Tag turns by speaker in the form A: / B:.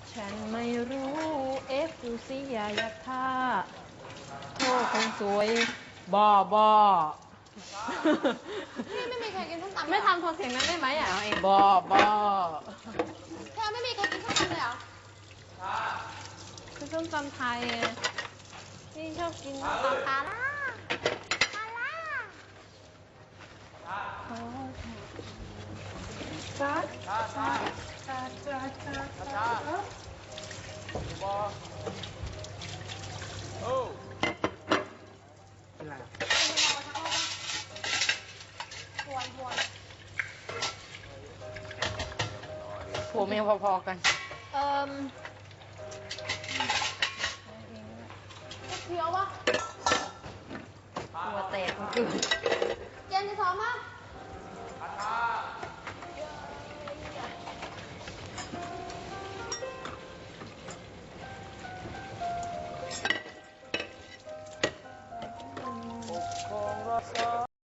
A: ฉันไม่รู้เอฟดูสิอย่ายักท่าโทษคนสวยบอบอ
B: พี่ไม่มีใครกินส้มตำ
A: ไม่ทำโทนเสียงนั้นได้ไหมอ่ะ
C: เอาเอง
A: บอบอ
B: แค่ไม่มีใครกินส้มตำเลยเหรอ
A: คือส้มตำไทยพี่ชอบกินส้มตำปลาล่า
C: เป็นไร
B: ทวน
C: ผัวเมียพอๆกัน
B: เคี้ยวปะ
C: ตัวแตกคนอื่น
B: เจนจะซ้อมปะ